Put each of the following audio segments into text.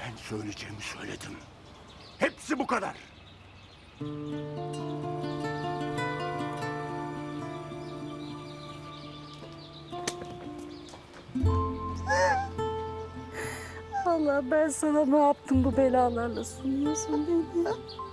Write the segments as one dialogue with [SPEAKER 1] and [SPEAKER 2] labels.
[SPEAKER 1] Ben söyleyeceğimi söyledim. Hepsi bu kadar.
[SPEAKER 2] Allah, ben sana ne yaptım, bu belalarla sunuyorsun beni?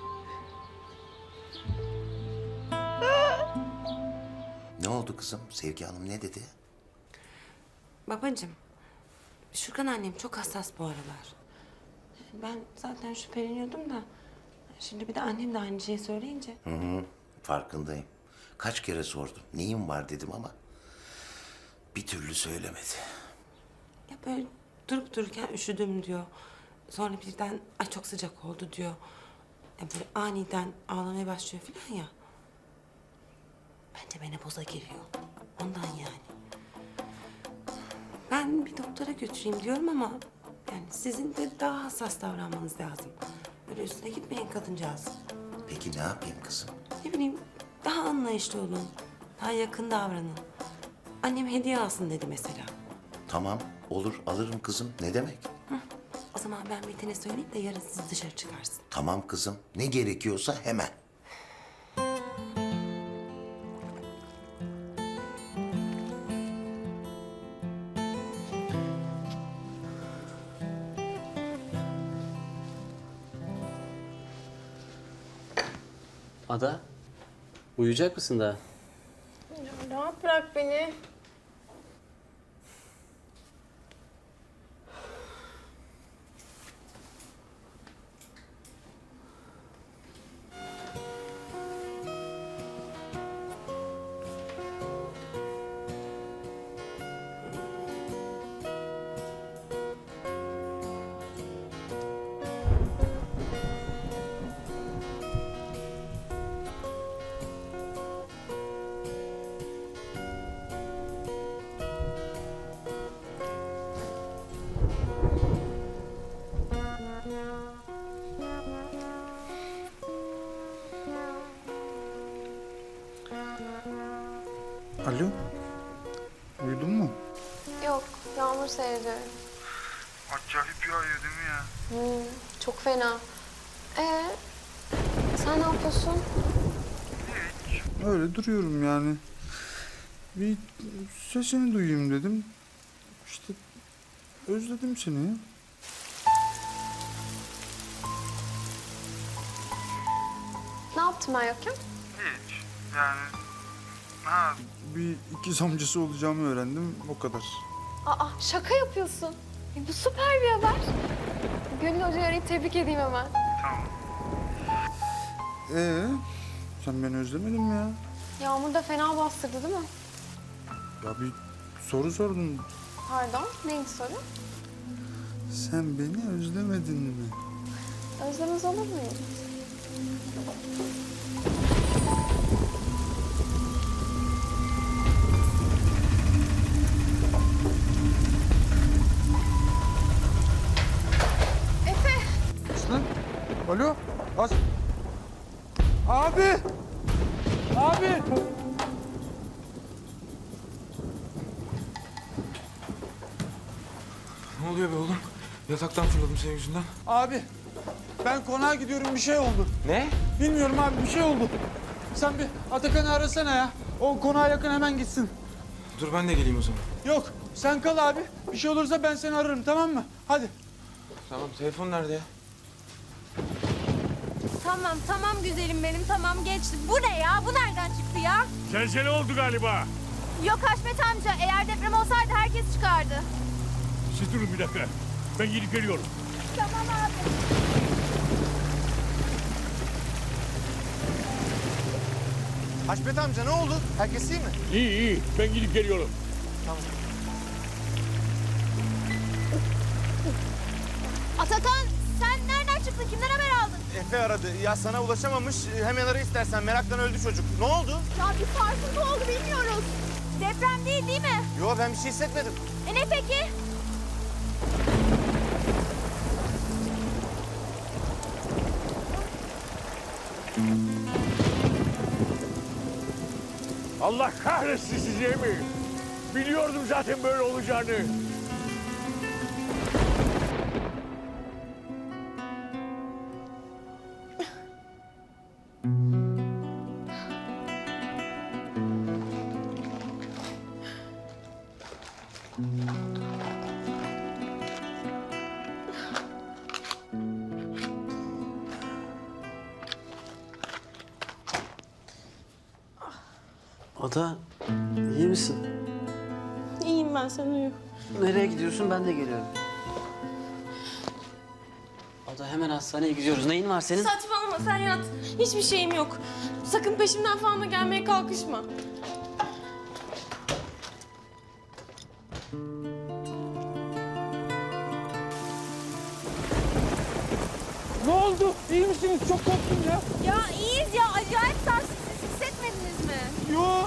[SPEAKER 3] Ne oldu kızım? Sevgi Hanım ne dedi?
[SPEAKER 4] Babacığım, Şükran annem çok hassas bu aralar. Ben zaten şüpheleniyordum da... Şimdi bir de annem de aynı şeyi söyleyince...
[SPEAKER 3] Farkındayım. Kaç kere sordum. Neyin var dedim ama bir türlü söylemedi.
[SPEAKER 4] Ya böyle durup dururken üşüdüm diyor. Sonra birden ay çok sıcak oldu diyor. Ya böyle aniden ağlamaya başlıyor falan ya. Bence menopoza giriyor. Ondan yani. Ben bir doktora götüreyim diyorum ama... Yani sizin de daha hassas davranmanız lazım. Böyle üstüne gitmeyin kadıncağız.
[SPEAKER 3] Peki ne yapayım kızım?
[SPEAKER 4] Ne bileyim, daha anlayışlı olun. Daha yakın davranın. Annem hediye alsın dedi mesela.
[SPEAKER 3] Tamam, olur alırım kızım. Ne demek?
[SPEAKER 4] O zaman ben Metin'e söyleyeyim de yarın siz dışarı çıkarsın.
[SPEAKER 3] Tamam kızım. Ne gerekiyorsa hemen.
[SPEAKER 5] Ada, uyuyacak mısın daha?
[SPEAKER 6] Rahat bırak beni.
[SPEAKER 7] Alo, uyudun mu?
[SPEAKER 6] Yok, yağmur seyrediyorum.
[SPEAKER 7] Acayip yağıyor değil mi ya?
[SPEAKER 6] Çok fena. Sen ne yapıyorsun?
[SPEAKER 7] Öyle duruyorum yani. Bir sesini duyayım dedim. İşte özledim seni ya.
[SPEAKER 6] Ne yaptım ben yokken?
[SPEAKER 7] Hiç, yani... Ha, bir ikiz amcası olacağımı öğrendim, o kadar.
[SPEAKER 6] Aa, şaka yapıyorsun. Bu süper bir haber. Gönül Hoca'yı arayıp tebrik edeyim hemen.
[SPEAKER 7] Sen beni özlemedin mi ya?
[SPEAKER 6] Yağmur da fena bastırdı değil mi?
[SPEAKER 7] Ya bir soru sordun.
[SPEAKER 6] Pardon, neydi soru?
[SPEAKER 7] Sen beni özlemedin mi?
[SPEAKER 6] Özlemez olur muyum?
[SPEAKER 7] Aslan, alo, Abi! Abi!
[SPEAKER 8] Ne oluyor be oğlum? Yataktan fırladım senin yüzünden.
[SPEAKER 7] Abi, ben konağa gidiyorum, bir şey oldu.
[SPEAKER 8] Ne?
[SPEAKER 7] Bilmiyorum abi, bir şey oldu. Sen bir Atakan'ı arasana ya. O konağa yakın hemen gitsin.
[SPEAKER 8] Dur ben de geleyim o zaman.
[SPEAKER 7] Yok, sen kal abi. Bir şey olursa ben seni ararım, tamam mı? Hadi.
[SPEAKER 8] Tamam telefon nerede ya?
[SPEAKER 9] Tamam güzelim benim, tamam geçti. Bu ne ya? Bu nereden çıktı ya?
[SPEAKER 1] Zelzele oldu galiba.
[SPEAKER 9] Yok Haşmet amca, eğer deprem olsaydı herkes çıkardı.
[SPEAKER 1] Siz durun bir dakika. Ben gidip geliyorum.
[SPEAKER 9] Tamam abi.
[SPEAKER 10] Haşmet amca ne oldu? Herkes iyi mi?
[SPEAKER 1] İyi. Ben gidip geliyorum.
[SPEAKER 9] Atakan, sen nereden çıktın? Kimden haber aldın?
[SPEAKER 10] Efe aradı. Ya sana ulaşamamış. Hemen ara istersen. Meraktan öldü çocuk. Ne oldu?
[SPEAKER 9] Ya bir sarsıntı oldu, bilmiyoruz. Deprem değil mi?
[SPEAKER 10] Yo ben bir şey hissetmedim.
[SPEAKER 9] Ne peki?
[SPEAKER 1] Allah kahretsin sizi mi? Biliyordum zaten böyle olacağını.
[SPEAKER 5] Ada, iyi misin?
[SPEAKER 4] İyiyim ben, sen uyu.
[SPEAKER 5] Nereye gidiyorsun? Ben de geliyorum. Ada, hemen hastaneye gidiyoruz. Neyin var senin?
[SPEAKER 4] Saçmalama, sen yat. Hiçbir şeyim yok. Sakın peşimden falan da gelmeye kalkışma.
[SPEAKER 1] Ne oldu? İyi misiniz? Çok korktum ya.
[SPEAKER 9] Ya iyiyiz ya. Acayip sarsıntı hissetmediniz mi?
[SPEAKER 1] Yo.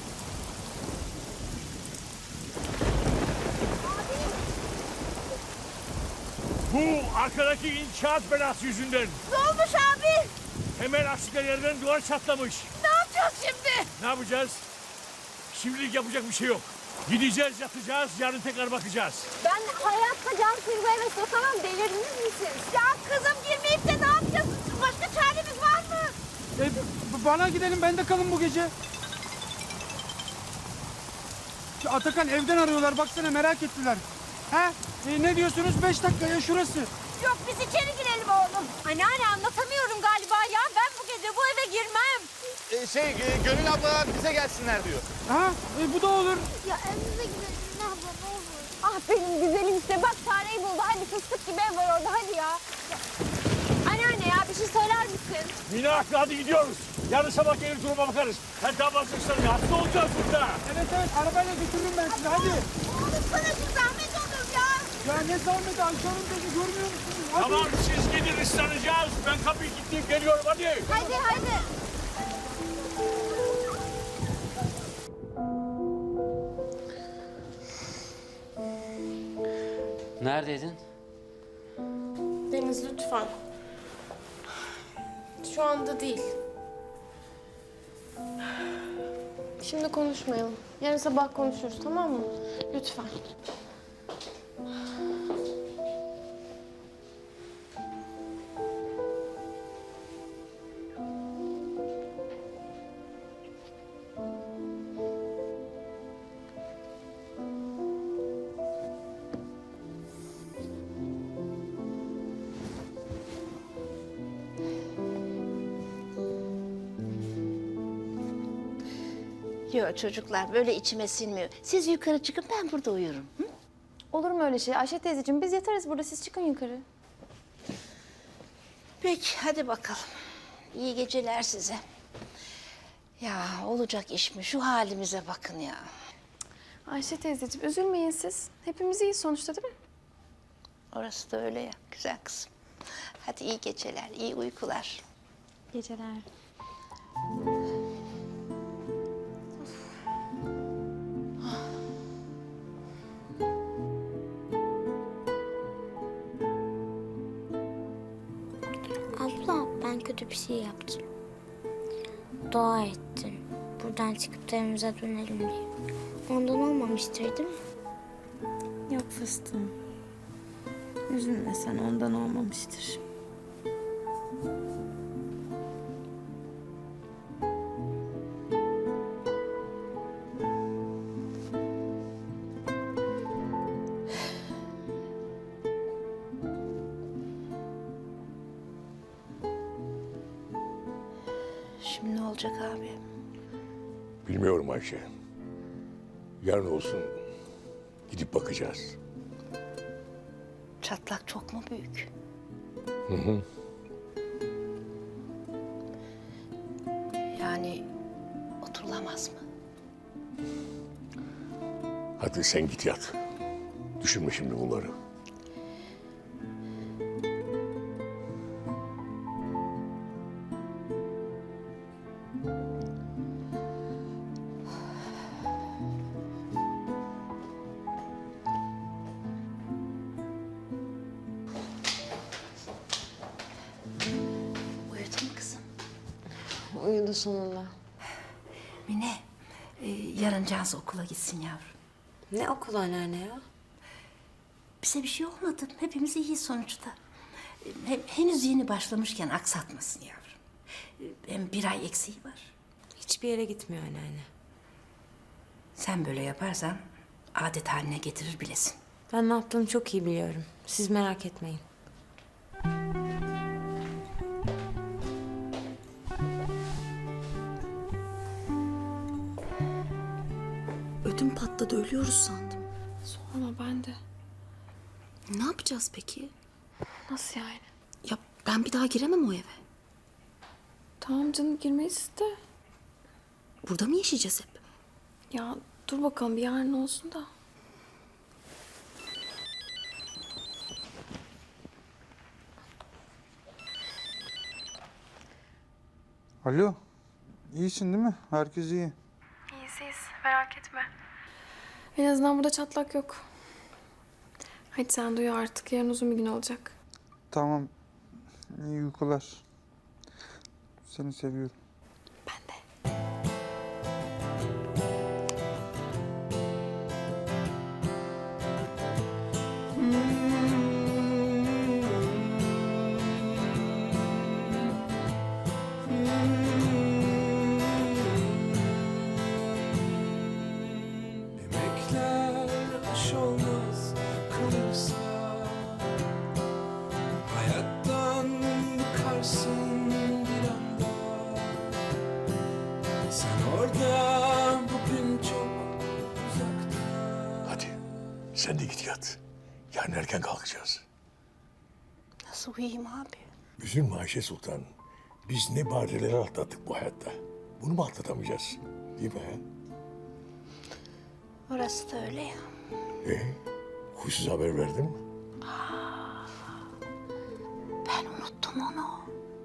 [SPEAKER 1] Bu arkadaki inşaat belası yüzünden.
[SPEAKER 9] Ne olmuş abi?
[SPEAKER 1] Hemen aksine yerden duvar çatlamış.
[SPEAKER 9] Ne yapacağız şimdi?
[SPEAKER 1] Ne yapacağız? Şimdilik yapacak bir şey yok. Gideceğiz, yatacağız, yarın tekrar bakacağız.
[SPEAKER 9] Ben hayatta can kırma eve sokamam. Delirdiniz misiniz? Ya kızım girmeyip de ne yapacağız? Başka çaremiz var mı?
[SPEAKER 7] Bana gidelim, ben de kalın bu gece. Şu Atakan evden arıyorlar, baksana merak ettiler. Ha? Ne diyorsunuz? 5 dakikaya şurası.
[SPEAKER 9] Yok biz içeri girelim oğlum. Anneanne anlatamıyorum galiba ya. Ben bu gece bu eve girmem.
[SPEAKER 10] Gönül ablalar bize gelsinler diyor.
[SPEAKER 7] Ha? Bu da olur.
[SPEAKER 9] Ya evimize gidelim ne abla ne olur. Ah benim güzelim işte bak çareyi buldu. Hadi fıstık gibi ev var orada hadi ya. Anneanne ya bir şey söyler misin?
[SPEAKER 1] Mine haklı, hadi gidiyoruz. Yarın sabah gelir duruma bakarız. Sen daha vazgeçsen hasta olacağız burada.
[SPEAKER 7] Evet, arabayla götürürüm ben sizi, hadi.
[SPEAKER 9] Oğlum sana şu zahmet olur ya.
[SPEAKER 7] Ya ne zahmeti, Ayşe Hanım dedi, görmüyor musunuz? Hadi.
[SPEAKER 1] Tamam, siz gidin, ıslanacağız. Ben kapıyı kilitleyip geliyorum, hadi.
[SPEAKER 9] Hadi hadi.
[SPEAKER 5] Neredeydin?
[SPEAKER 4] Deniz lütfen. Şu anda değil. Şimdi konuşmayalım. Yarın sabah konuşuruz, tamam mı? Lütfen.
[SPEAKER 2] Yok çocuklar böyle içime sinmiyor. Siz yukarı çıkın ben burada uyurum. Hı?
[SPEAKER 6] Olur mu öyle şey Ayşe teyzeciğim? Biz yatarız burada, siz çıkın yukarı.
[SPEAKER 2] Peki hadi bakalım. İyi geceler size. Ya olacak iş mi? Şu halimize bakın ya.
[SPEAKER 6] Ayşe teyzeciğim üzülmeyin siz. Hepimiz iyiyiz sonuçta değil mi?
[SPEAKER 2] Orası da öyle ya güzel kızım. Hadi iyi geceler, iyi uykular.
[SPEAKER 6] Geceler.
[SPEAKER 11] Abla ben kötü bir şey yaptım. Dua ettim. Buradan çıkıp da evimize dönelim diye. Ondan olmamıştır değil mi?
[SPEAKER 2] Yok fıstığım. Üzülme sen ondan olmamıştır. Şimdi ne olacak abi?
[SPEAKER 1] Bilmiyorum Ayşe. Yarın olsun gidip bakacağız.
[SPEAKER 2] Çatlak çok mu büyük? Yani oturulamaz mı?
[SPEAKER 1] Hadi sen git yat. Düşünme şimdi bunları.
[SPEAKER 2] Uyudun mu kızım?
[SPEAKER 4] Uyudu sonunda.
[SPEAKER 2] Mine, yarın Cansu okula gitsin yavrum.
[SPEAKER 4] Ne okul anneanne ya?
[SPEAKER 2] Bize bir şey olmadı. Hepimiz iyiyiz sonuçta. Henüz yeni başlamışken aksatmasın yavrum. Hem bir ay eksiği var.
[SPEAKER 4] Hiçbir yere gitmiyor anneanne.
[SPEAKER 2] Sen böyle yaparsan adet haline getirir bilesin.
[SPEAKER 4] Ben ne yaptığımı çok iyi biliyorum. Siz merak etmeyin.
[SPEAKER 2] ölüyoruz sandım.
[SPEAKER 6] Sorma ben de.
[SPEAKER 2] Ne yapacağız peki?
[SPEAKER 6] Nasıl yani?
[SPEAKER 2] Ya ben bir daha giremem o eve.
[SPEAKER 6] Tamam canım girmeyiz de.
[SPEAKER 2] Burada mı yaşayacağız hep?
[SPEAKER 6] Ya dur bakalım bir yarın olsun da.
[SPEAKER 7] Alo. İyisin değil mi? Herkes iyi.
[SPEAKER 6] İyiyiz merak etme. En azından burada çatlak yok. Hadi sen duyu artık. Yarın uzun bir gün olacak.
[SPEAKER 7] Tamam. İyi uykular. Seni seviyorum.
[SPEAKER 6] Ben de.
[SPEAKER 12] Emekler aş olmaz kalırsa, hayattan bıkarsın bir anda. Sen orada, bugün çok uzakta.
[SPEAKER 1] Hadi sen de git yat. Yarın erken kalkacağız.
[SPEAKER 2] Nasıl uyuyayım abi?
[SPEAKER 1] Üzülme Ayşe Sultan. Biz ne badireler atlattık bu hayatta. Bunu mu atlatamayacağız? Değil mi? He?
[SPEAKER 2] Orası da öyle ya.
[SPEAKER 1] Huysuz haber verdin mi?
[SPEAKER 2] Ben unuttum onu.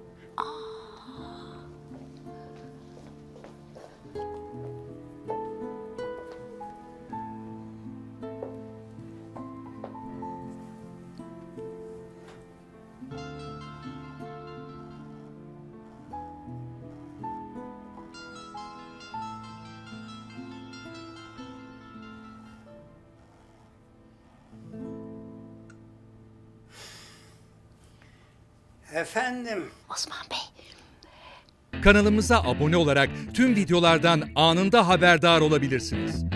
[SPEAKER 13] Efendim?
[SPEAKER 2] Osman Bey.
[SPEAKER 14] Kanalımıza abone olarak tüm videolardan anında haberdar olabilirsiniz.